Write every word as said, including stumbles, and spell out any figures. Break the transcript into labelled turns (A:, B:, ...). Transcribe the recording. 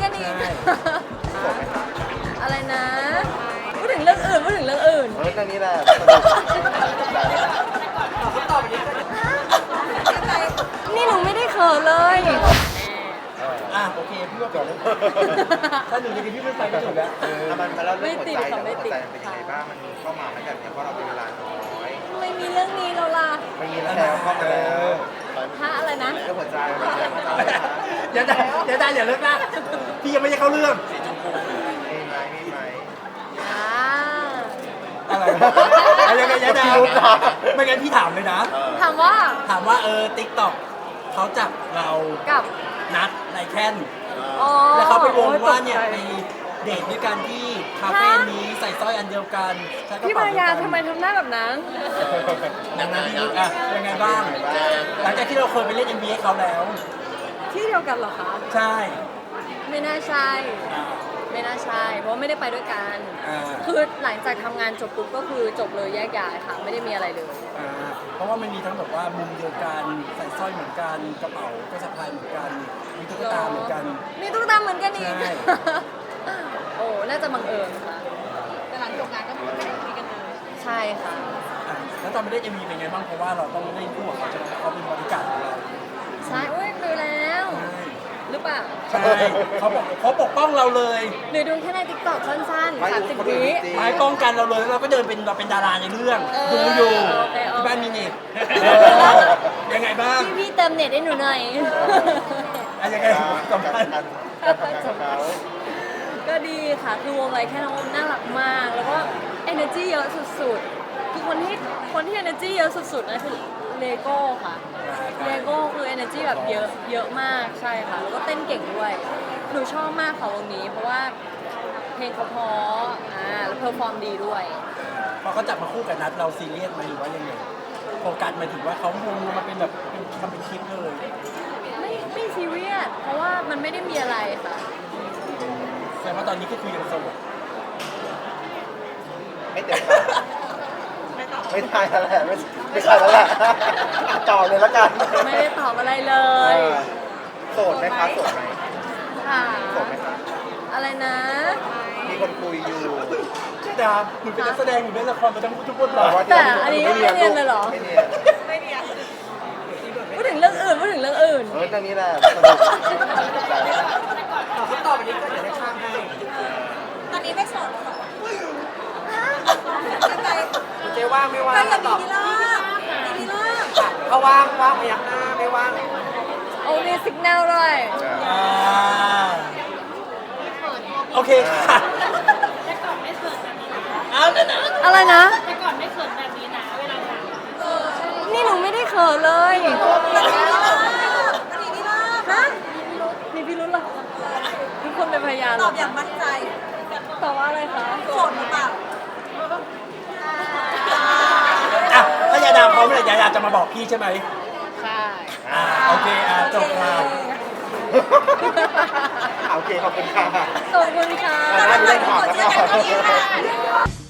A: กันอีกอะไรนะพูดถึงเรื่องอื่นพูดถึงเรื่องอื่น
B: เฮ้ยเรื่องนี้แหละ
A: นี่หนูไม่ได้เขินเลย
C: อ่ะโอเคพี่ว่าก่อนเลยถ้าหนึ่งนาทีพี่ไม่ไปก็จบแล้ว
B: เออมันมาแล้วเรื่องหัวใจ
A: ไม่
B: แต่
A: ติ
B: ว่า
A: ด
B: หัวใจ
A: ค่ะ
B: มันเป็นยังไงบ้างมันเข้ามาไหมแบบเนี้ยเพราะเราเป็นเวลาน้อย
A: ไม่มีเรื่องนี้แล้วล่ะ
B: ไม่มีแล้วเข้ามาแล้ว
A: ฮะอะไรนะ
B: เรื่องหัวใจหัวใจหัวใจ
C: เดี๋ยวได้เดี๋ยวได้อย่าเลิกนะพี่ยังไม่ได้เข้าเรื่อง
B: มีไหมมีไหม
A: อ่า
C: อะไรอะไรยังไงยะดาไม่งั้นพี่ถามเลยนะ
A: ถามว่า
C: ถามว่าเออติ๊กต็อกเขาจับเรา
A: กับ
C: นัดไลแคน
A: อ๋อ
C: แล้วเขาไปวงว่า
A: โอ้
C: เนี่ย
A: ตก
C: ไป
A: ใจ
C: เดทด้วยกันที่คาเฟ่นี้ใส่สร้อยอันเดียวกันใช้กระ
A: พี่
C: เป๋า
A: มา
C: เดี
A: ยา
C: ยวกัน
A: ทำไมทำหน้าแบบนั้น
C: ดังนั้นพี่รู้อ่ะยังไงบ้าง หลังจากที่เราเคยไปเล่น เอ็น บี เอ เขาแล้ว
A: ที่เดียวกันเหรอคะ
C: ใช่
A: ไม่น่าใช่ ไม่น่าใช่ เพราะว่าไม่ได้ไปด้วยกัน
C: อ่า
A: คือหลังจากทำงานจบปุ๊บก็คือจบเลยแยกย้ายค่ะ ไม่ได้มีอะไรเลย
C: อ่าเพราะว่ามันมีทั้งแบบว่ามุมเดียวกันใส่สร้อยเหมือนกันกระเป๋าก็สะพายเหมือนกันมีตุ๊กตาเหมือนกัน
A: มีตุ๊กตาเหมือนกันอีก
C: ใช่
A: โอ้ น่าจะบังเอิญค่ะ
D: แต่หลังจบงานก็ไม่ได้คุยกันเลย
A: ใช่ค่ะ
C: อ่ะแล้วตอนไปเล่น เอ็ม วี เป็นไงบ้างเพราะว่าเราต้องเล่นคู่กับเขาใช่ไหมเขาเป็นบริการดของเรา
A: ใช่อุ้ยดูแล้ว หรือเปล่า
C: ใช่เขาบอกเขาปกป้องเราเลย
A: หรือดูแค่ในติ๊กต็อกสั้นๆสามสิบวิ
C: ไม้ป้องกันเราเลยแล้วเราก็เดินเป็นเราเป็นดาราในเรื่อง
A: เออ
C: ดูอยู่
A: โอเคโอเค
C: ที่บ้านมีเน็ตยังไงบ้าง
A: พี่พี่เติมเน็ตให้หนูหน่อย
C: อ่ะยังไงสัมภาษณ์
B: การการทำงานของเขา
A: ก็ดีค่ะ คือวงไรแค่น้องน่ารักมาก แล้วก็ energy เยอะสุดๆ คือคนที่คนที่ energy เยอะสุดๆนะคือเลโก้ค่ะ เลโก้คือ energy แบบเยอะเยอะมากใช่ค่ะ แล้วก็เต้นเก่งด้วย หนูชอบมากค่ะวงนี้ เพราะว่าเพลงเขาเพราะอ่าแล้วเพอร์ฟอร์มดีด้วย
C: พอเขาจับมาคู่กับนัดเราซีเรียสไหมหรือว่ายังไงโฟกัสหมายถึงว่าเขาวงมาเป็นแบบเป็นทำเป็นคลิปเลย
A: ไม่ไม่ซีเรียส เพราะว่ามันไม่ได้มีอะไรค่ะ
C: แสดงว่าตอนนี้ก็คือยังโสด
B: ไม่เต็มปากไม่ได้แล้วแหละไม่ไม่ใช่แล้วแหละต่อเลยละกัน
A: ไม่ได้ตอบอะไรเล
B: เอย อโสดไหมคะโสดไหม
A: ค่ะ
B: โสดไหมคะ
A: อะไรนะ
B: มีคนคุยอยู่
C: ใช่ดาหนูเป็นนักแสดงหนูเล่นละครมาทั้งทุกบทบาท
A: แต่อันนี้ไม่เนียนเลยเหรอ
B: ไม่เนียน
D: ไม่เนียน
A: พูดถึงเรื่องอื่นพูดถึงเรื่องอื่น
B: เฮ้ยเรื่องนี้แหละสนุกหัวใจ
C: เขาตอบอันนี้ก็เดี๋ยวได้ข้ามให้
D: ตอนนี้ไม่โสดแล้วเหรอไป
C: เจ๊ว่างไม่ว่าง
D: ไปกับมีพิล่ามีพิล่า
C: เขาว่างว่างพยักหน้าไม่ว่าง
A: โอ้มีสัญญาณด้วย
C: อ่าโอเคค่ะ
D: แต่ก่อนไม่เขินแบบนี้นะ
C: เอาเดี๋ยวนะ
A: อะไรนะ
D: แต่ก่อนไม่เขินแบบนี้นะเวลาถาม
A: นี่หนูไม่ได้เขินเลย
D: มีพิล่า
A: ฮะ มีพี่รุ้นเหรอทุกคนเป็นพยานเห
D: ต
A: ร
D: อบอย่างมั่นใจ
A: ตอบว่าอะไรคะ
D: โสดหรือเปล่า
C: อ่ะถ้ายาดาพร้อมเลยยาดาจะมาบอกพี่ใช่ไหม
A: ใช่
C: อ่าโอเคอ่าจบค่ะ
B: โอเคขอบคุณค่ะ
A: ขอบคุณค่ะ
B: ได้ได้ถอดแล้วก็
D: เจอกันที่นี่ค่ะ